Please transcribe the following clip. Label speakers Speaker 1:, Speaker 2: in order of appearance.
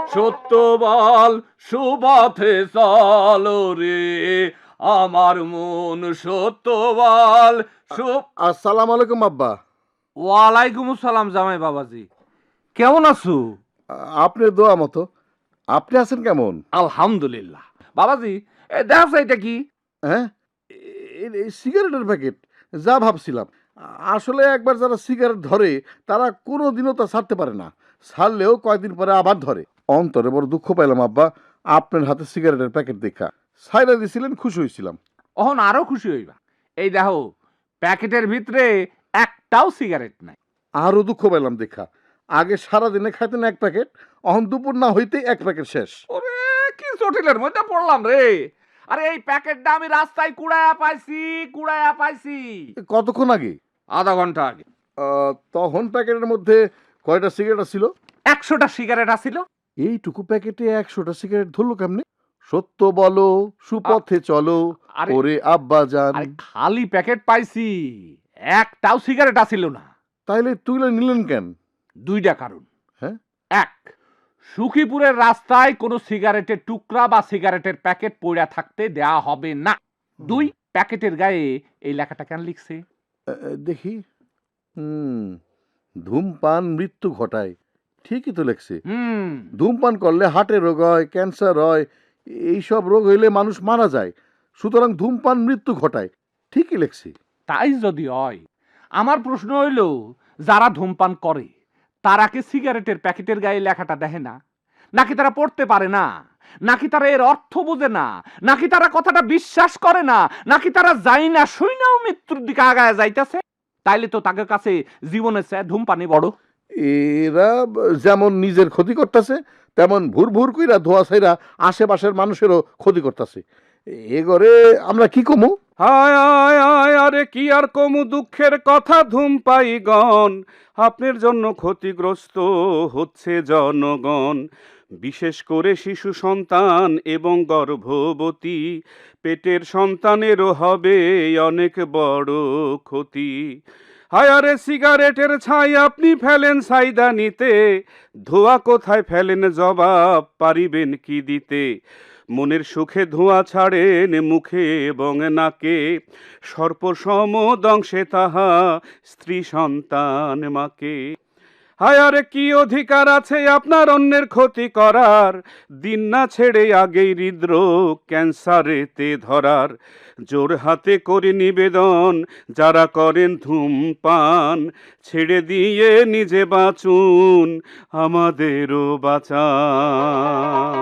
Speaker 1: সত্য বল, সুপথে চল রে আমার মন, সত্য বল।
Speaker 2: আসসালামু আলাইকুম আব্বা।
Speaker 1: ওয়ালাইকুম আসসালাম জামাই বাবাজি, কেমন আছো?
Speaker 2: আপনার দোয়া মতো। আপনি আছেন কেমন?
Speaker 1: আলহামদুলিল্লাহ। বাবাজি, দেখো এটা কি?
Speaker 2: হ্যাঁ, এই সিগারেটের প্যাকেট। যা ভাবছিলাম। আসলে একবার যারা সিগারেট ধরে তারা কোনোদিনও তা ছাড়তে পারে না। ছাড়লেও কয়েকদিন পরে আবার ধরে। অন্তরে বড় দুঃখ পাইলাম আব্বা, আপনার হাতে সিগারেটের প্যাকেট দেখা। ছাইড়া দিছিলেন, খুশি হয়েছিলাম।
Speaker 1: অহন আরো খুশি হইবা। এই দেখো, প্যাকেটের ভিতরে একটাও সিগারেট নাই।
Speaker 2: আরও দুঃখ পাইলাম দেখা। আগে সারাদিনে খাইতেন এক প্যাকেট, অহন দুপুর না হইতেই এক প্যাকেট শেষ।
Speaker 1: ওরে, কি জটিলের মধ্যে পড়লাম রে। আরে এই প্যাকেটটা আমি রাস্তায় কুড়ায়া পাইছি।
Speaker 2: কতক্ষণ আগে?
Speaker 1: আধা ঘন্টা আগে।
Speaker 2: তখন প্যাকেটের মধ্যে কয়টা সিগারেট ছিল?
Speaker 1: 100টা সিগারেট আছিল।
Speaker 2: এইটুকু প্যাকেটে 100টা সিগারেট ধরলো কেমনে? সত্য বলো, সুপথে চলো,
Speaker 1: আরে
Speaker 2: ওরে আব্বা যান।
Speaker 1: আরে খালি প্যাকেট পাইছি, একটাও সিগারেট আছিল না।
Speaker 2: তাইলে তুইলে নিলেন কেন?
Speaker 1: 2টা কারণ।
Speaker 2: হ্যাঁ?
Speaker 1: 1, সুখীপুরের রাস্তায় কোনো সিগারেটের টুকরা বা সিগারেটের প্যাকেট পইড়া থাকতে দেয়া হবে না। 2, প্যাকেটের গায়ে এই লেখাটা কেন লিখছে?
Speaker 2: দেখি। হুম, ধূমপান মৃত্যু ঘটায়। ঠিকই তো লেখছে। ধূমপান করলে হার্টের রোগ হয়, ক্যান্সার হয়, এইসব রোগ হইলে মানুষ মারা যায়। সুতরাং ধূমপান মৃত্যু ঘটায়। ঠিকই লেখছে।
Speaker 1: তাই যদি হয়, আমার প্রশ্ন হইল, যারা ধূমপান করে তারা কি সিগারেটের প্যাকেটের গায়ে লেখাটা দেখে না? নাকি তারা পড়তে পারে না? নাকি তারা এর অর্থ বোঝে না? নাকি তারা কথাটা বিশ্বাস করে না? নাকি তারা যায় না শুইনাও মৃত্যুর দিকে আগায় যাইতেছে? তাইলে তো তাদের কাছে জীবনের চেয়ে ধূমপানই বড়।
Speaker 2: এরা যেমন নিজের ক্ষতি করতেছে, তেমন ভুর ভুর কইরা ধোয়া ছাইরা আশেপাশের মানুষেরও ক্ষতি করতেছে। এগরে আমরা কি কমু?
Speaker 3: হায় আয় আয় আরে কি আর কমু দুঃখের কথা ধূমপায়ীগণ, আপনার জন্য ক্ষতিগ্রস্ত হচ্ছে জনগণ। বিশেষ করে শিশু সন্তান এবং গর্ভবতী, পেটের সন্তানেরও হবে অনেক বড় ক্ষতি। হায় আরে সিগারেটের ছাই আপনি ফেলেন সাইদানিতে, ধোঁয়া কোথায় ফেলেন জবাব পারিবেন কি দিতে? মনের সুখে ধোঁয়া ছাড়েন মুখে এবং নাকে, সর্পসম দংশে তাহা স্ত্রী সন্তান মাকে। হায় আরে কি অধিকার আছে আপনার অন্যের ক্ষতি করার? দিন না ছেড়ে আগেই হৃদরোগ ক্যান্সারেতে ধরার। জোর হাতে করে নিবেদন, যারা করেন ধূমপান, ছেড়ে দিয়ে নিজে বাঁচুন, আমাদেরও বাঁচান।